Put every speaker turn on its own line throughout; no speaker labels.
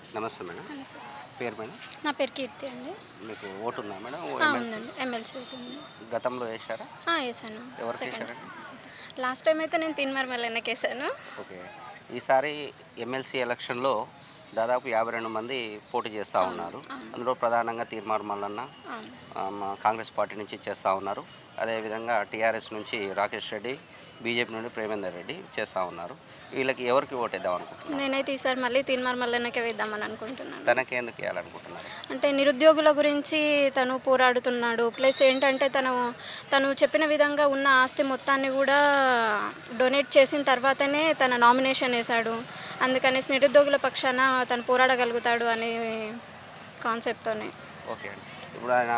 నమస్తే మేడం.
నమస్తే సార్.
పేరు మేడం?
నా పేరు కీర్తి అండి.
మీకు ఓటు ఉందా మేడం?
ఉందండి. ఎమ్మెల్సీ ఓటు ఉంది.
గతంలో వేశారా?
వేసాను.
ఎవరికి
సెకండ్
వేశారండి?
లాస్ట్ టైం అయితే నేను తీన్మార్ మల్లన్నకి వేసాను.
ఓకే. ఈసారి ఎమ్మెల్సీ ఎలక్షన్లో దాదాపు 52 మంది పోటీ చేస్తూ ఉన్నారు.
అవును.
అందులో ప్రధానంగా తీర్మార్ మల్లన్న
అవును.
కాంగ్రెస్ పార్టీ నుంచి చేస్తూ ఉన్నారు. అదేవిధంగా టీఆర్ఎస్ నుంచి రాకేష్ రెడ్డి, బీజేపీ నుండి ప్రేమేందర్ రెడ్డి చేస్తూ ఉన్నారు. వీళ్ళకి ఎవరికి ఓటేద్దాం అనుకుంటున్నారు?
నేనైతే ఈసారి మళ్ళీ తీన్మార్ మల్లన్నకే వేద్దామని అనుకుంటున్నాను.
తనకి ఎందుకు వేయాలనుకుంటున్నారు?
అంటే నిరుద్యోగుల గురించి తను పోరాడుతున్నాడు. ప్లస్ ఏంటంటే తను చెప్పిన విధంగా ఉన్న ఆస్తి మొత్తాన్ని కూడా డొనేట్ చేసిన తర్వాతనే తన నామినేషన్ వేశాడు. అందుకనేసి నిరుద్యోగుల పక్షాన తను పోరాడగలుగుతాడు అనే కాన్సెప్ట్తోనే.
ఓకే అండి. ఇప్పుడు ఆయన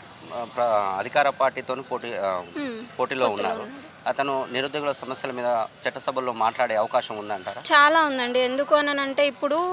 అధికార పార్టీతో పోటీలో ఉన్నారు. అతను నిరుద్యోగుల సమస్యల మీద చట్టసభల్లో మాట్లాడే అవకాశం ఉందంటారా?
చాలా ఉందండి. ఎందుకు అనంటే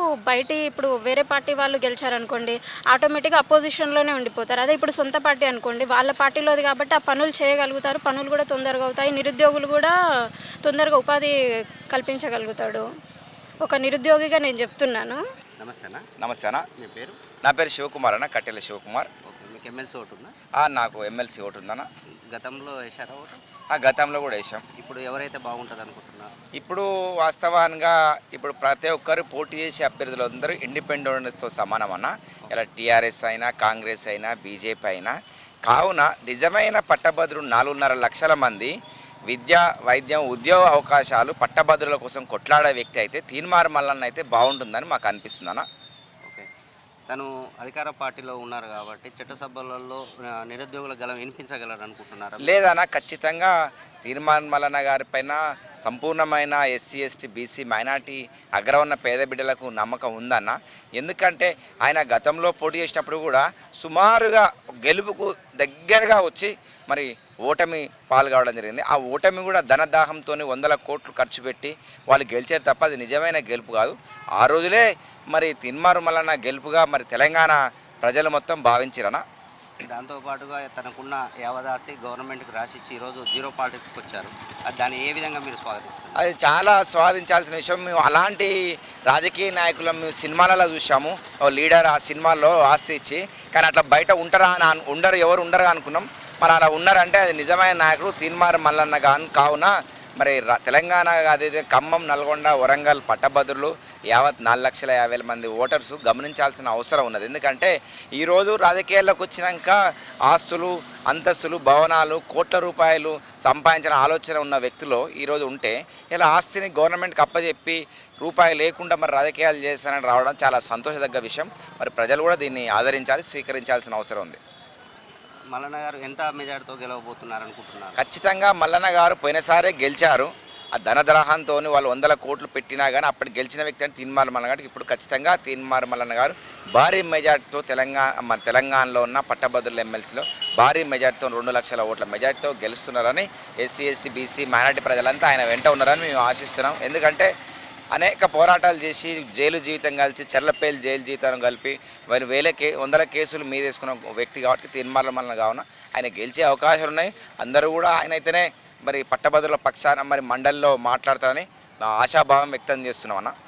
ఇప్పుడు వేరే పార్టీ వాళ్ళు గెలిచారనుకోండి, ఆటోమేటిక్గా అపోజిషన్లోనే ఉండిపోతారు. అదే ఇప్పుడు సొంత పార్టీ అనుకోండి, వాళ్ళ పార్టీలోది కాబట్టి ఆ పనులు చేయగలుగుతారు. పనులు కూడా తొందరగా అవుతాయి. నిరుద్యోగులు కూడా తొందరగా ఉపాధి కల్పించగలుగుతాడు. ఒక నిరుద్యోగిగా నేను చెప్తున్నాను.
నమస్తేనా?
నమస్తేనా.
మీ పేరు?
నా పేరు శివకుమార్ అన్న, కట్టెల శివకుమార్.
ఓకే. మీకు ఎమ్మెల్సీ ఓటు ఉందా?
నాకు ఎమ్మెల్సీ ఓటు ఉందన్న.
గతంలో వేశారా ఓటు?
గతంలో కూడా వేసాం.
ఇప్పుడు ఎవరైతే బాగుంటుంది అనుకుంటున్నారు?
ఇప్పుడు వాస్తవానికి ఇప్పుడు ప్రతి ఒక్కరు పోటీ చేసే అభ్యర్థులు అందరూ ఇండిపెండెంట్స్తో సమానం అన్న. ఇలా టీఆర్ఎస్ అయినా, కాంగ్రెస్ అయినా, బీజేపీ అయినా. కావున నిజమైన పట్టభద్రులు 4.5 లక్షల మంది విద్య, వైద్యం, ఉద్యోగ అవకాశాలు పట్టభద్రుల కోసం కొట్లాడే వ్యక్తి అయితే తీన్మార్ మల్లన్న అయితే బాగుంటుందని మాకు అనిపిస్తుందన్న.
ఓకే. తను అధికార పార్టీలో ఉన్నారు కాబట్టి చట్టసభలలో నిరుద్యోగుల గలం వినిపించగలరు అనుకుంటున్నారా?
లేదన్న, ఖచ్చితంగా తీన్మార్ మల్లన్న గారి పైన సంపూర్ణమైన ఎస్సీ, ఎస్టీ, బీసీ, మైనార్టీ అగ్రవర్ణ పేద బిడ్డలకు నమ్మకం ఉందన్న. ఎందుకంటే ఆయన గతంలో పోటీ చేసినప్పుడు కూడా సుమారుగా గెలుపుకు దగ్గరగా వచ్చి మరి ఓటమి పాల్గొనడం జరిగింది. ఆ ఓటమి కూడా ధనదాహంతో 100 కోట్లు ఖర్చు పెట్టి వాళ్ళు గెలిచారు తప్ప అది నిజమైన గెలుపు కాదు. ఆ రోజులే మరి తీన్మార్ మల్లన్న గెలుపుగా మరి తెలంగాణ ప్రజలు మొత్తం భావించారన్న.
దాంతోపాటుగా తనకున్న యావదాసి గవర్నమెంట్కి రాసిచ్చి ఈరోజు జీరో పాలిటిక్స్కి వచ్చారు. దాన్ని ఏ విధంగా మీరు స్వాగతిస్తారు?
అది చాలా స్వాదించాల్సిన విషయం. మేము అలాంటి రాజకీయ నాయకులను మేము సినిమాలలో చూసాము. లీడర్ ఆ సినిమాల్లో ఆస్తి ఇచ్చి, కానీ అట్లా బయట ఎవరు ఉండరు అనుకున్నాం. మరి అలా ఉన్నారంటే అది నిజమైన నాయకుడు తీన్మార్ మల్లన్న కావున మరి తెలంగాణ అదైతే ఖమ్మం, నల్గొండ, వరంగల్ పట్టభద్రులు యావత్ 4,50,000 మంది ఓటర్స్ గమనించాల్సిన అవసరం ఉన్నది. ఎందుకంటే ఈరోజు రాజకీయాల్లోకి వచ్చినాక ఆస్తులు, అంతస్తులు, భవనాలు, కోట్ల రూపాయలు సంపాదించిన ఆలోచన ఉన్న వ్యక్తులు ఈరోజు ఉంటే ఇలా ఆస్తిని గవర్నమెంట్కి అప్పచెప్పి రూపాయి లేకుండా మరి రాజకీయాలు చేస్తానని రావడం చాలా సంతోషదగ్గ విషయం. మరి ప్రజలు కూడా దీన్ని ఆదరించాలి, స్వీకరించాల్సిన అవసరం ఉంది.
మల్లన్న గారు ఎంత మెజార్టీతో గెలవబోతున్నారు అనుకుంటున్నారు?
ఖచ్చితంగా మల్లన్న గారు పోయినసారే గెలిచారు. ఆ ధనద్రాహంతో వాళ్ళు 100 కోట్లు పెట్టినా కానీ అప్పటి గెలిచిన వ్యక్తి అని తీన్మార్ మల్లన్న గారికి ఇప్పుడు ఖచ్చితంగా తీన్మార్ మల్లన్న గారు భారీ మెజార్టీతో తెలంగాణలో ఉన్న పట్టభద్రుల ఎమ్మెల్సీలో భారీ మెజార్టీతో 2 లక్షల ఓట్ల మెజార్టీతో గెలుస్తున్నారని ఎస్సీ, ఎస్టీ, బీసీ, మైనార్టీ ప్రజలంతా ఆయన వెంట ఉన్నారని మేము ఆశిస్తున్నాం. ఎందుకంటే అనేక పోరాటాలు చేసి జైలు జీవితం కలిసి చెర్లపల్లి జైలు జీవితం కలిపి మరి 100 కేసులు మీదేసుకున్న వ్యక్తి కాబట్టి తీన్మార్ మల్లన్న కావున ఆయన గెలిచే అవకాశాలు ఉన్నాయి. అందరూ కూడా ఆయన అయితేనే మరి పట్టభద్రుల పక్షాన మరి మండలిలో మాట్లాడతారని నా ఆశాభావం వ్యక్తం చేస్తున్నాం అన్న.